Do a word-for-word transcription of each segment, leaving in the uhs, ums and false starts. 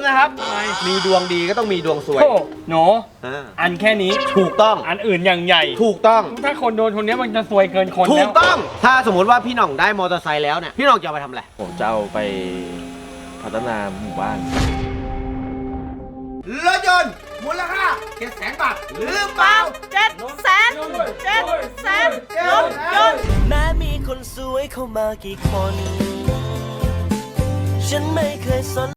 นะครับมีดวงดีก็ต้องมีดวงสวยโอ้หนูอันแค่นี้ถูกต้องอันอื่นอย่างใหญ่ถูกต้องถ้าคนโดนคนนี้มันจะซวยเกินคนถูกต้องถ้าสมมติว่าพี่หน่องได้มอเตอร์ไซค์แล้วเนี่ยพี่หน่องจะเอาไปทำอะไรผมจะเอาไปพัฒนาหมู่บ้านรถยนต์มูลค่าเจ็ดแสนบาทหรือเปล่าเจ็ดแสนเจ็ดแสนรถยนต์แม้มีคนสวยเข้ามากี่คนฉันไม่เคยสน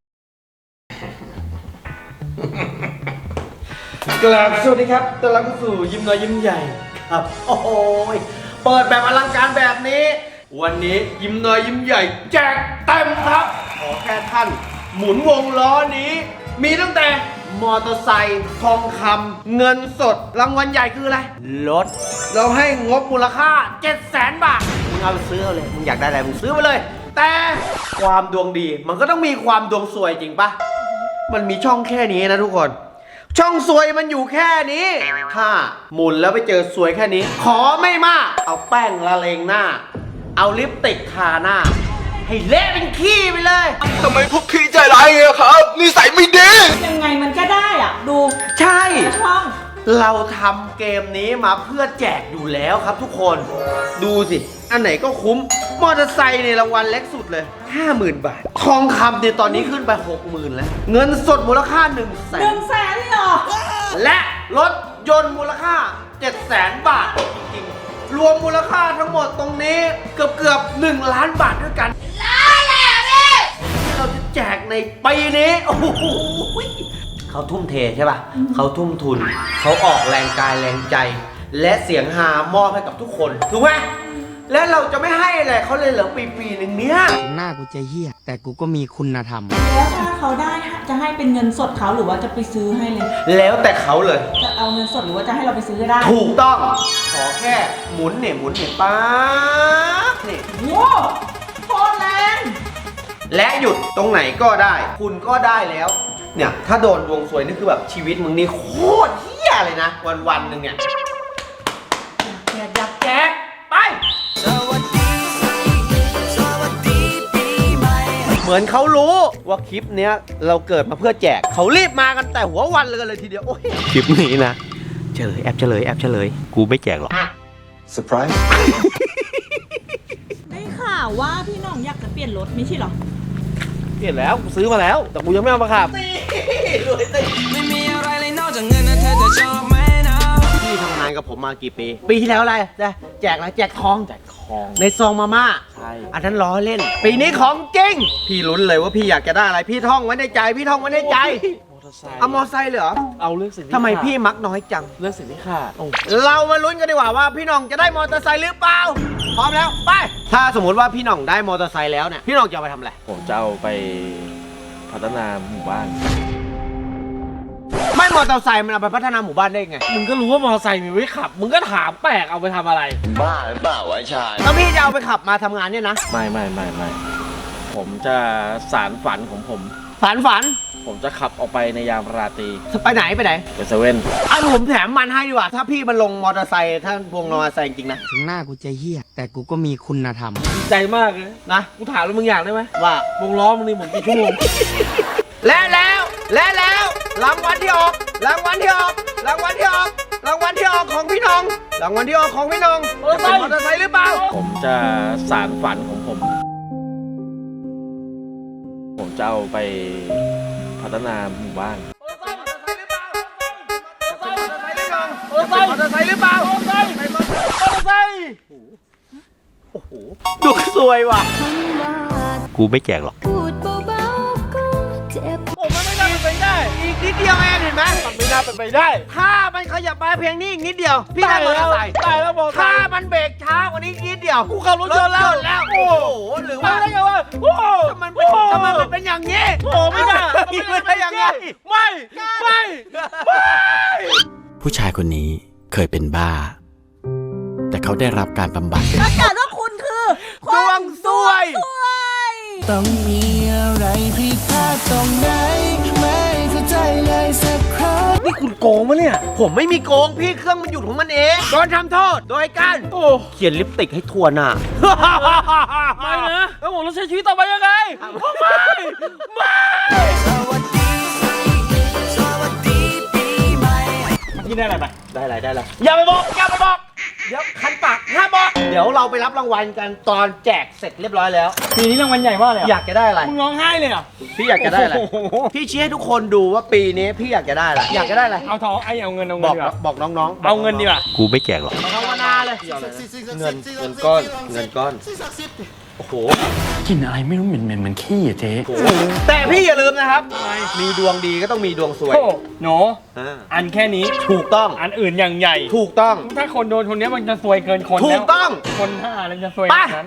กราบสวัสดีครับต้อนรับเข้าสู่ยิ้มน้อยยิ้มใหญ่ครับโอ้โหเปิดแบบอลังการแบบนี้วันนี้ยิ้มน้อยยิ้มใหญ่แจกเต็มครับขอแค่ท่านหมุนวงล้อนี้มีตั้งแต่มอเตอร์ไซค์ทองคำเงินสดรางวัลใหญ่คืออะไรรถเราให้งบมูลค่าเจ็ดแสนบาทมึงเอาไปซื้อเอาเลยมึงอยากได้อะไรมึงซื้อไปเลยแต่ความดวงดีมันก็ต้องมีความดวงสวยจริงปะมันมีช่องแค่นี้นะทุกคนช่องสวยมันอยู่แค่นี้ถ้าหมุนแล้วไปเจอสวยแค่นี้ขอไม่มากเอาแป้งละเลงหน้าเอาลิปสติกทาหน้าให้เละเป็นขี้ไปเลยทำไมพวกพี่ใจร้ายอะครับนิสัยไม่ดียังไงมันก็ได้อ่ะดูใช่ช่องเราทำเกมนี้มาเพื่อแจกอยู่แล้วครับทุกคนดูสิอันไหนก็คุ้มมอเตอร์ไซค์ในรางวัลเล็กสุดเลย ห้าหมื่น บาททองคำเนี่ยตอนนี้ขึ้นไป หกหมื่น แล้วเงินสดมูลค่า หนึ่งแสนหนึ่งแสนเลยเหรอและรถยนต์มูลค่า เจ็ดแสน บาทจริงๆรวมมูลค่าทั้งหมดตรงนี้เกือบเกือบหนึ่งล้านบาทด้วยกันล้านแล้วพี่ที่เราจะแจกในปีนี้โอ้โหเขาทุ่มเทใช่ป่ะเขาทุ่มทุนเขาออกแรงกายแรงใจและเสียงฮามอบให้กับทุกคนถูกไหมและเราจะไม่ให้อะไรเขาเลยเหรอปีปีหนึ่งเนี้ยหน้ากูจะเหี้ยแต่กูก็มีคุณธรรมแล้วถ้าเขาได้จะให้เป็นเงินสดเขาหรือว่าจะไปซื้อให้เลยแล้วแต่เขาเลยจะเอาเงินสดหรือว่าจะให้เราไปซื้อก็ได้ถูกต้องขอแค่หมุนเนี่ยหมุนเนี่ยป๊าบนี่โว้โคตรแรงและหยุดตรงไหนก็ได้คุณก็ได้แล้วเนี่ยถ้าโดนดวงสวยนี่คือแบบชีวิตมึงนี่โคตรเหี้ยเลยนะวันวันหนึ่งเนี่ยแจกอยากแจกไปสวัสดีสวัสดีปีใหม่เหมือนเขารู้ว่าคลิปเนี้ยเราเกิดมาเพื่อแจกเขารีบมากันแต่หัววันเลยเลยทีเดียวโอ้ยคลิปนี้นะเฉลยแอบเฉลยแอบเฉลยกูไม่แจกหรอกเซอร์ไพรส์ได้ข่าวว่าพี่น้องอยากจะเปลี่ยนรถไม่ใช่หรอเปลี่ยนแล้วกูซื้อมาแล้วแต่กูยังไม่เอามาขับไม่มีอะไรเลยนอกจากเงินนะเธอจะชอบไหมนะพี่ทำงานกับผมมากี่ปีปีที่แล้วอะไรจะแจกอะไรแจกทองแจกทองในซองมาม่าใช่อันนั้นล้อเล่นปีนี้ของจริงพี่ลุ้นเลยว่าพี่อยากจะได้อะไรพี่ท่องไว้ในใจพี่ท่องไว้ในใจเอามอไซค์เลยเหรอเอาเรื่องสิ่งที่ทำไมพี่มักน้อยจังเรื่องสิ่งที่ขาดเรามาลุ้นกันดีกว่าว่าพี่น้องจะได้มอเตอร์ไซค์หรือเปล่าพร้อมแล้วไปถ้าสมมติว่าพี่น้องได้มอเตอร์ไซค์แล้วเนี่ยพี่น้องจะเอาไปทำอะไรผมจะเอาไปพัฒนาหมู่บ้านไม่มอเตอร์ไซค์มันเอาไปพัฒนาหมู่บ้านได้ไงมึงก็รู้ว่ามอเตอร์ไซค์มีไว้ขับมึงก็ถามแปลกเอาไปทำอะไรบ้าหรือเปล่าวะชายแล้วพี่จะเอาไปขับมาทำงานเนี่ยนะไม่ไม่ไม่ไม่ผมจะสารฝันของผมฝันฝันผมจะขับออกไปในยามราตรีไปไหนไปไหนไปเซเว่นไอ้ผมแถมมันให้ดีกว่าถ้าพี่มันลงมอเตอร์ไซค์ถ้าพวงมอเตอร์ไซค์จริงนะถึงหน้ากูจะเหี้ยแต่กูก็มีคุณธรรมใจมากเลยนะกูถามแล้วมึงอยากได้ไหมว่าวงล้อมึงนี่หมุนกี่ชั่วโมงและแล้วและแล้วรางวัลที่ออกรางวัลที่ออกรางวัลที่ออกรางวัลที่ออกของพี่น้องรางวัลที่ออกของพี่น้องจะเป็นมอเตอร์ไซค์หรือเปล่าผมจะสารฝันของผมผมจะเอาไปพัฒนาหมู่บ้านมอเตอร์ไซค์หรือเปล่ามอเตอร์ไซค์หรือเปล่ามอเตอร์ไซค์มอเตอร์ไซค์โอ้โหดูสวยว่ะกูไม่แจกหรอกโอ้มันไม่น่าเป็นไปได้อีกนิดเดียวเองเห็นไหมมันไม่น่าเป็นไปได้ถ้ามันขยับมาเพียงนี้อีกนิดเดียวพี่ได้มอเตอร์ไซค์ได้แล้วมอเตอร์ไซค์ถ้ามันเบรกช้ากว่านี้นิดเดียวกูขับรถยนต์แล้วแล้วโอ้โหหรือว่าอะไรกันวะโอ้ทำไมเป็นทำไมมันเป็นอย่างนี้โอ้ไม่ได้ไม่ได้อย่างนี้ไม่ไม่ไม่ผู้ชายคนนี้เคยเป็นบ้าแต่เขาได้รับการบำบัดประกาศว่าคุณคือดวงสวยต้องมีอะไรผิดพลาดตรงไหนไม่เข้าใจเลยสักครั้งนี่คุณโกงมะเนี่ยผมไม่มีโกงพี่เครื่องมันหยุดของมันเองโดนทำโทษโดยการโอ้เขียนลิปสติกให้ทั่วหน้าไม่นะแล้วผมจะใช้ชีวิตต่อไปยังไงไม่ไม่สวัสดีได้อะไรไปได้อะไรได้อะไรอย่าไปบอกอย่าไปบอกเดี๋ยวคันปากห้ามบอกเดี๋ยวเราไปรับรางวัลกันตอนแจกเสร็จเรียบร้อยแล้วปีนี้รางวัลใหญ่มากเลยอยากจะได้อะไรมึงร้องไห้เลยเหรอพี่อยากจะได้อะไรโอ้โหพี่ชี้ให้ทุกคนดูว่าปีนี้พี่อยากจะได้อะไรอยากจะได้อะไรเอาทองไอ้เอาเงินเอาบเงิอน กดีกว่าบอกน้องๆเอาเงินดีกว่ากูไม่แจกหรอกภาวนาเลยเงินเงินก้อนเงินก้อนโอ้โหกินอะไรไม่รู้เหม็นเหม็นเหมือนขี้อะเจ๊แต่พี่อย่าลืมนะครับ มีดวงดีก็ต้องมีดวงสวยโอ้หนูอ่าอันแค่นี้ถูกต้องอันอื่นอย่างใหญ่ถูกต้องถ้าคนโดนคนนี้มันจะซวยเกินคนถูแล้กวต้องคนห้าแล้วจะซวยไปนั้น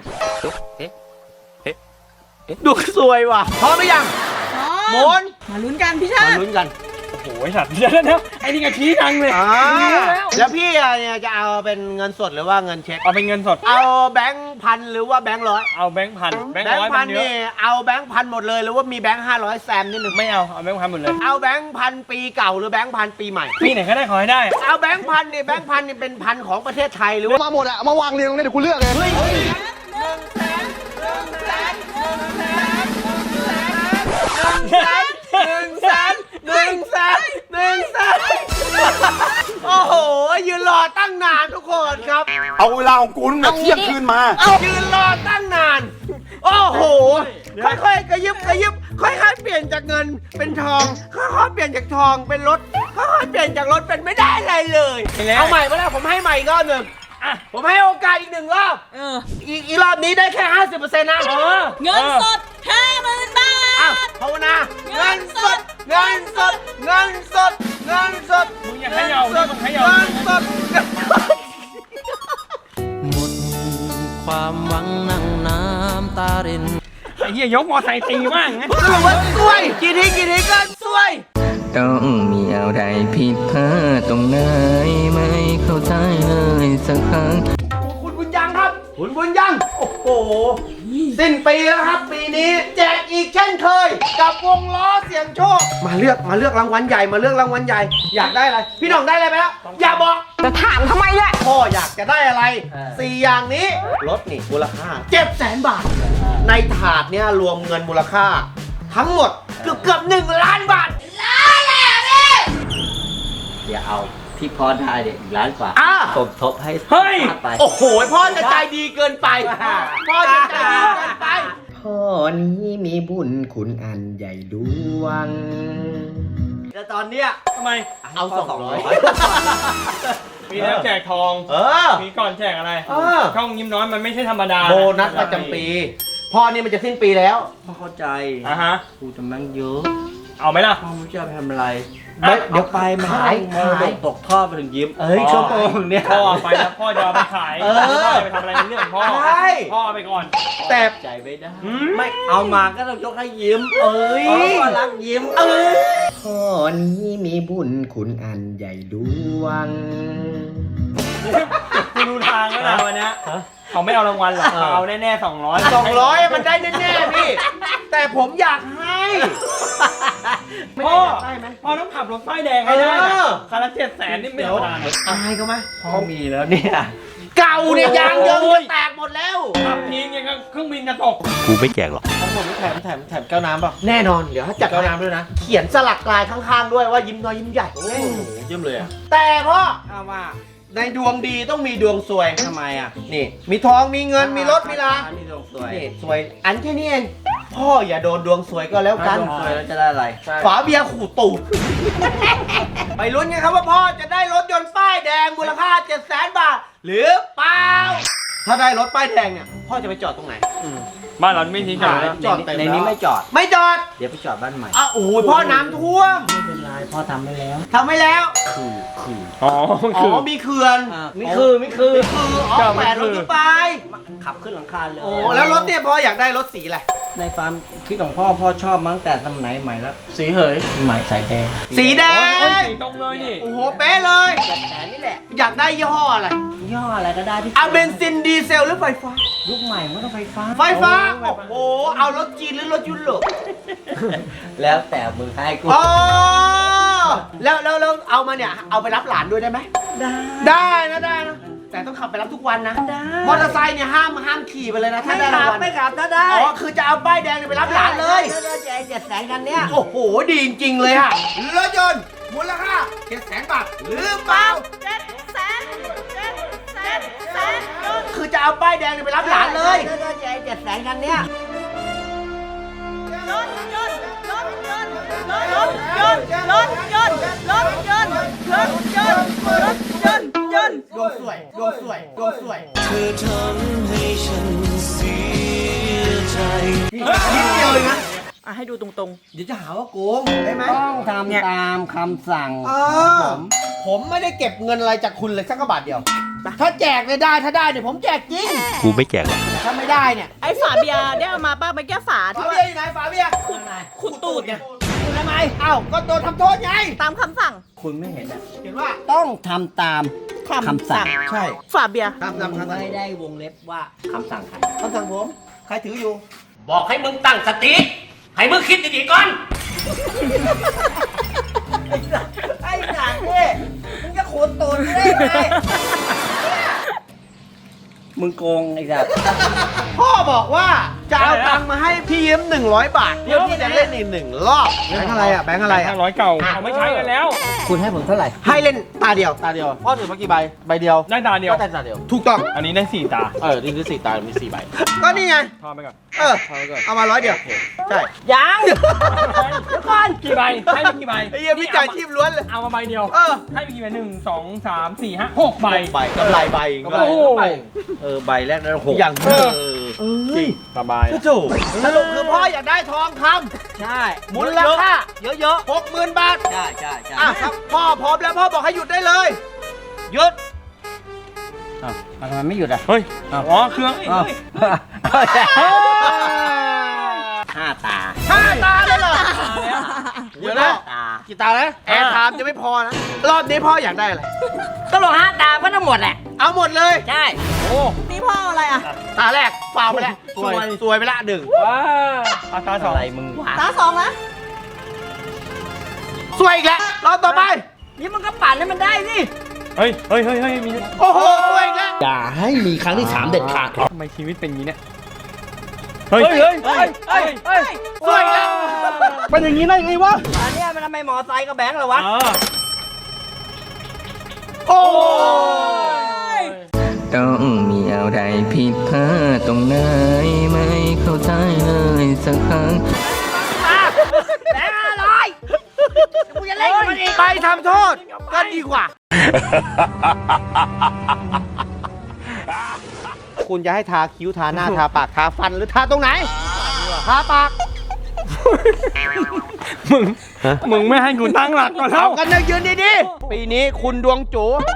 ดวงสวยว่ะพร้อมหรือยังหมุนมาลุ้นกันพี่ชามาติลุ้นกันโอ้โหสัตว์เดี๋ยวนะไอ้นี่ก็ชี้ดังเลยอ่ารู้แล้วแล้วพี่อ่ะเนี่ยจะเอาเป็นเงินสดหรือว่าเงินเช็คเอาเป็นเงินสดเอาแบงค์พันหรือว่าแบงค์ร้อยเอาแบงค์พันแบงค์แบงร้อยค์พัมัน นเยนี่อะเอาแบงค์พันหมดเลยหรือว่ามีแบงค์ห้าร้อยแซมนิดนึงไม่เอาเอาแบงค์พันหมดเลยเอาแบงค์พันปีเก่าหรือแบงค์พันปีใหม่ปีไหนก็ได้ขอให้ได้เอาแบงค์พันนี่แบงค์พันนี่เป็นพันของประเทศไทยหรือว่ามาหมดอะมาวางเรียงตรงนี้เดี๋ยวกูเลือกเองเฮ้ยหนึ่งแสนหนึ่งแสนหนึ่งแสนโอ้โหยืนรอตั้งนานทุกคนครับเอาเวลาของกูตั้งแต่เที่ยงคืนมาเอายืนรอตั้งนาน โอ้โห ค่อยๆกระยิบกระยิบ ค่อยๆเปลี่ยนจากเงินเป็นทอง ค่อยๆเปลี่ยนจากทองเป็นรถ ค่อยๆเปลี่ยนจากรถเป็นไม่ได้อะไรเลย เอาใหม่มาแล้วผมให้ใหม่อีกรอบหนึ่งอ่ะผมให้โอกาสอีกหนึ่งรอบเอออีกอีกรอบนี้ได้แค่ห้าสิบเปอร์เซ็นต์นะเออเงินสดห้าหมื่นบาอ้าวทภาวนา เงินสด เงินสด เงินสด เงินสดมึงอย่าเขย่าดิมึงเขย่าเงินสดหมดความหวังนั่งน้ำตารินไอ้เหี้ยยกมอไซค์ตีบ้างนะสรุปว่าสวยกี่ทีกี่ทีก็สวยต้องมีอะไรผิดพลาดตรงไหนไม่เข้าใจเลยสักครั้งคุณบุญยังครับ คุณบุญยัง โอ้โห สิ้นปีแล้วครับ ปีนี้แจกอีกเช่นเคย กับวงล้อเสียงโชค มาเลือกมาเลือกรางวัลใหญ่มาเลือกรางวัลใหญ่ อยากได้อะไร พี่หน่องได้อะไรไปแล้วอย่าบอกจะถามทำไมเนี่ยพ่ออยากจะได้อะไรสี่อย่างนี้รถนี่มูลค่าเจ็ดแสนบาท ในถาดเนี่ยรวมเงินมูลค่า ทั้งหมดเกือบเกือบหนึ่งล้านบาทอย่าเอาที่พ่อได้เด็กล้านกว่าอ่ะสมทบให้เฮ้ยไปโอ้โห พ่อจะใจดีเกินไป พ่อจะใจดีเกินไปพ่อนี้มีบุญคุณอันใหญ่ดวงแต่ตอนเนี้ยทำไมเอาสองร้อยมีแล้วแจกทองเออมีก่อนแจกอะไรเออช่องยิ้มน้อยมันไม่ใช่ธรรมดาโบนัสประจำปี พ่อนี่มันจะสิ้นปีแล้วพ่อเข้าใจอ่ะฮะกูจะมั่งเยอะเอาไหมล่ะพ่อไม่รู้จะไปทำอะไรอ่ะเดี๋ยวไปมันขายขายตกทอดไปถึงยิ้มเอ้ยชั่วโมงเนี่ยพ่อไปแล้วพ่อจะเอาไปขายเออไม่ได้ไปทำอะไรในเรื่องของพ่อใช่พ่อเอาไปก่อนแต่ใจไม่ได้อืมไม่เอามาก็ต้องยกให้ยิ้มเอ้ยเพราะว่ารักยิ้มเอ้ยพ่อนี้มีบุญคุณอันใหญ่ดวงกูดูทางแล้วนะวันเนี้ยเขาไม่เอารางวัลหรอกเขาเอาแน่ๆสองร้อยสองร้อยมันได้แน่ๆพี่ แต่ผมอยากให้พ่อได้ไหมพ่อต้องขับรถป้ายแดงให้ได้เอนะอคันละเจ็ดแสนนี่ไม่ธรรมดานะอายเขาไหมพ่อมีแล้วเนี่ยเก่าเนี่ยยางเยิงจะแตกหมดแล้วขับทิ้งยังกับเครื่องบินจะตกกูไม่แจกหรอกทั้งหมดนี่แถมแถมแถมแก้วน้ำป่ะแน่นอนเดี๋ยวถ้าจัดแก้วน้ำด้วยนะ เขียนสลักลายข้างๆด้วยว่ายิ้มน้อยยิ้มใหญ่ยิ้มเลยอ่ะแต่พ่อเอาว่าในดวงดีต้องมีดวงสวยทำไมอ่ะนี่ มีทองมีเงินมีรถมีลามีดวงสวยนี่สวย อันแค่นี้เองพ่ออย่าโดนดวงสวยก็แล้วกันดวงสวยแล้วจะได้อะไรฝาเบียร์ขู่ตูด ไปลุ้นกันครับว่าพ่อจะได้รถยนต์ป้ายแดงมูลค่าเจ็ดแสนบาท หรือเปล่า ถ้าได้รถป้ายแดงเนี่ยพ่อจะไปจอดตรงไหนบ้านเราไม่ทิ้งกันแล้วจอดเต็มในแล้วนี้ไม่จอดไม่จอดเดี๋ยวไปจอดบ้านใหม่อ่ะโอ้ยพ่อน้ำท่วมไม่เป็นไรพ่อทำไปแล้วทำไม่แล้วคือคืออ๋ออ๋คืออมีเขื่อนไม่คือไม่คือคืออ๋อก็แหไม่วนรคืถอขึ้นไปขับขึ้นหลังคาเลยโอ้แล้วรถเนี่ยพ่ออยากได้รถสีอะไรในความคิดของพ่อพ่อชอบมาตั้งแต่สมัยใหม่แล้ว สีเหยใหม่สายแดงสีแดโอ้ยงสีตรงเลยนี่โอ้โหเป๊ะเลยแต่นี่แหละอยากได้ยี่ห้ออะไรย่ออะไรก็ได้ที่เอาเบนซินดีเซลหรือไฟฟ้ายุคใหม่มันต้องไฟฟ้าไฟฟ้า โอ้โห เอารถจีนหรือรถยุโรปแล้วแต่มือให้กูอ๋อ แล้วแล้วแล้วเอามาเนี่ย เอาไปรับหลานด้วยได้ไหมได้ได้นะได้นะ แต่ต้องขับไปรับทุกวันนะได้มอเตอร์ไซค์เนี่ยห้ามห้ามขี่ไปเลยนะถ้าไม่ได้ขัรางบวัลไม่ขับถ้าได้อ๋อ คือจะเอาป้ายแดงเนี่ยไปรับหลานเลยได้ได้ใจเจ็ดแสนกันเนี้ยโอ้โห ดีจริงๆเลยค่ะรถยนต์มูลค่าเจ็ดแสนบาทหรือเปล่าเจ็ดแสนเจ็ดแสนแสนยนต์คือจะเอาป้ายแดงไปรับหลานเลยเจ็ดแสนกันเนี่ยยนต์ยนต์ยนต์ยนต์ยนต์ยนต์ยนต์ยนต์ยนต์ยนต์ยนต์ยนต์ยนต์ยนต์ดวงสวยดวงสวยดวงสวยเธอทำให้ฉันเสียใจนิดเดียวเลยนะอ่ะให้ดูตรงเดี๋ยวจะหาว่าโกงได้ไหมต้องทำตามคำสั่งเออผมไม่ได้เก็บเงินอะไรจากคุณเลยสักกระบาทเดียว ถ้าแจกเนี่ยได้ถ้าได้เนี่ยผมแจกจริงกูไม่แจกหรอกแต่ถ้าไม่ได้เนี่ยๆ ไอ้ฝาเบียร์ได้เอามาป้าไปแก้ฝาฝาที่เบีว่ายร์อยู่ไหนฝาเบียร์ขุดตูดไงคุณทำไมเอ้าก็โดนทำโทษไงตามคำสั่งคุณไม่เห็นอ่ะเห็นว่าต้องทำตามคำสั่งใช่ฝาเบียร์ตามตามคำสั่งไม่ได้วงเล็บว่าคำสั่งใครคำสั่งผมใครถืออยู่บอกให้มึงตั้งสติให้มึงคิดดีๆก่อนไอ้หนังเนี่ยมึงจะขูดตูดได้ไงมึงโกงไอ้สัสพ่อบอกว่าจะเอาตังค์มาให้พี่ยืมหนึ่งร้อยบาทเพื่อที่จะเล่นอีกหนึ่งรอบแบงค์อะไรอ่ะแบงค์อะไรอ่ะห้าร้อยเก่าเขาไม่ใช้กันแล้วคุณให้ผมเท่าไหร่ให้เล่นตาเดียวตาเดียว พ่อถือมากี่ใบ ใบเดียวได้ตาเดียวก็ได้ตาเดียวถูกต้องอันนี้ได้สี่ตาเออ นี่คือสี่ตา มีสี่ใบก็นี่ไงทอไปก่อนเออ เอามาร้อยเดียว ใช่ยังเดี๋ยวก่อนกี่ใบให้ไปกี่ใบไอ้เหี้ยพี่จ่ายชีพล้วนเลยเอามาใบเดียวเออให้ไปกี่ใบหนึ่งสองสามสี่ห้าหกใบใบกำไรใบโอ้โหเออ ใบแรกนั้นหกอย่างเออจริงสบายถูกสรุปคือพ่ออยากได้ทองคใช่ำมูลค่าเยอะหกหมื่นบาทๆ ใช่ใช่ใช่อ่ะครับพ่อพร้อมแล้วพ่อบอกให้หยุดได้เลย หยุดอ้าวทำไมไม่หยุดอ่ะเฮ้ย อ๋อ เครื่องอ้าวห้าตาห้าตาเลยเหรอ เดี๋ยวนะตากี่ตาแล้วแอร์ไทม์จะไม่พอนะ รอบนี้พ่ออยากได้อะไรก็ลงห้าตาก็ทั้งหมดแหละเอาหมดเลยใช่โอ้นี่พ่ออะไรอ่ะตาแรกฟาวไปแล้วสวยสวยไปละหนึ่งว้าอาตาสองอะไรมึงวะตาสองนะสวยอีกแล้วรอบต่อไปนี่มันก็ปั่นให้มันได้สิเฮ้ย เฮ้ย เฮ้ย เฮ้ย มีโอ้โหสวยอีกแล้วอย่าให้มีครั้งที่สามเด็ดขาดทำไมชีวิตเป็นอย่างนี้เนี่ย เฮ้ย เฮ้ย เฮ้ย เฮ้ย เฮ้ยสวยอีกแล้วเป็นอย่างนี้ได้ไงวะอันเนี้ยมันทำไมหมอไซค์กับแบงค์เหรอวะเออโอ้ยต้องมีอะไรผิดพลาดตรงไหนไม่เข้าใจเลยสักครั้งแบงค์ห้าร้อยกูจะเล่นกับมันอีกไปทำโทษก็ดีกว่า คุณจะให้ทาคิ้วทาหน้าทาปากทาฟันหรือทาตรงไหน ทาปากมึง มึงไม่ให้กูตั้งหลักก่อนแล้วเอากันนะยืนดีๆ ปีนี้คุณดวงจู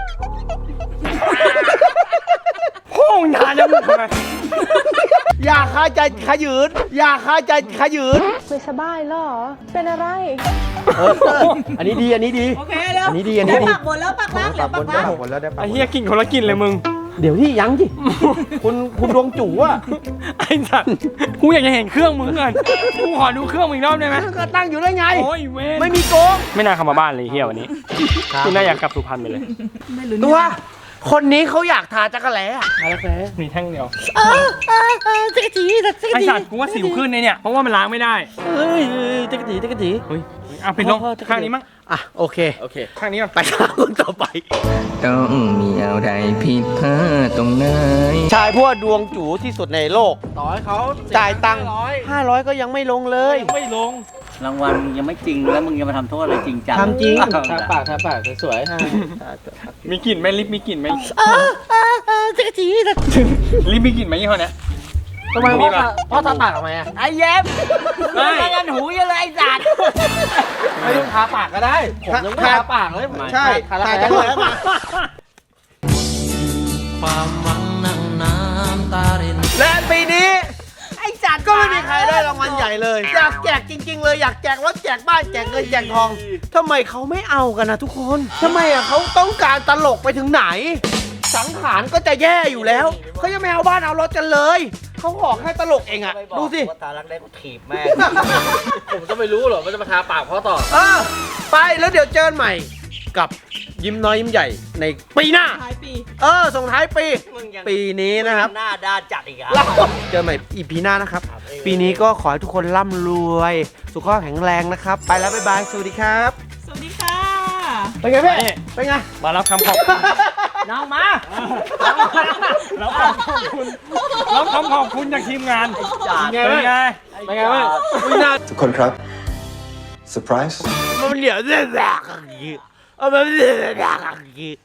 โค้งทานยังทำไมอย่าคาใจขยืน อย่าคาใจขยืนไม่สบายเหรอ เป็นอะไรเออ อันนี้ดี อันนี้ดีโอเคเร็วอันนี้ดี อันนี้ดีปักบนแล้วปักล่างเหลือปักล่างหมดแล้วได้ปะไอ้เหี้ยกินคนละกินเลยมึงเดี๋ยวที่ยังจิคุณคุณดวงจูอ่ะไอ้สัตว์กูอยากจะเห็นเครื่องมึงเงินกูขอดูเครื่องมึงอีกรอบได้ไหมก็ตั้งอยู่ได้ไงโอ้ยเว้นไม่มีโกงไม่น่าเข้ามาบ้านเลยเฮียวันนี้กูน่าอยากกลับสุพรรณไปเลยตัว คนนี้เขาอยากทาจักรแล้อะมีแท่งเดียวไอ้สัตว์กูว่าสิวขึ้นในเนี่ย เพราะว่ามันล้างไม่ได้เฮ้ยจักรจีจักรจีเฮ้ยอ่ะปิดลงข้างนี้มั้งอ่ะโอเคโอเคข้างนี้ก่อนไปข้างคนต่อไปต้องมีอะไรผิดพลาดตรงไหนชายพวกดวงจูที่สุดในโลกต่อให้เขาจ่ายตังค์ห้าร้อยก็ยังไม่ลงเลยไม่ลงรางวัลมึงยังไม่จริงแล้วมึงยังมาทำโทษอะไรจริงจังทำจริงทาปากทาปากสวยๆฮะมีกลิ่นไหมลิปมีกลิ่นไหมลิปมีกลิ่นไหมยี่ห้อเนี้ยทำไมพ่อทาพ่อทาปากทำไมอ่ะไอ้เย็บไม่ไม่กันหูเยอะเลยไอ้สัตว์ไม่ต้องทาปากก็ได้ ผมยังไม่ทาปากเลยใช่ทาแล้วทาแผลจักรแล้มาความหวังนั่งน้ำตารินและปีนี้ไอ้จัดก็ไม่มีใครได้รางวัลใหญ่เลย อยากแจกจริง ๆ เลยอยากแจกรถแจกบ้านแจกเงินแจกทองทำไมเขาไม่เอากันนะทุกคนทำไมอ่ะเขาต้องการตลกไปถึงไหน สังขารก็จะแย่อยู่แล้วเขายังไม่เอาบ้านเอารถกันเลยเขาขอแค่ตลกเองอ่ะดูสิว่าตาลักได้ก็ถีบแม่งผมจะไม่รู้หรอกว่าจะมาทาปากพ่อต่อเออไปแล้วเดี๋ยวเจอกันใหม่กับยิ้มน้อยยิ้มใหญ่ในปีหน้าท้ายปีเออส่งท้ายปี ปีนี้นะครับหน้าด้านจัดอีกอ่ะเราเจอใหม่อีพีหน้านะครับ ปีนี้ก็ขอให้ทุกคนร่ำรวย สุขภาพแข็งแรงนะครับ ไปแล้ว บ๊ายบาย สวัสดีครับสวัสดีค่ะเป็นไงพี่นี่เป็นไงมารับคำขอบคุณน้องมารับคำขอบคุณรับคำขอบคุณจากทีมงานเป็นไงเป็นบ้างไงเป็นไงบ้างอุ๊ยน่าทุกคนครับเซอร์ไพรส์มันเหลียวเรื่องแบบอย่างนี้เอามันเหลียวแบบอย่างนี้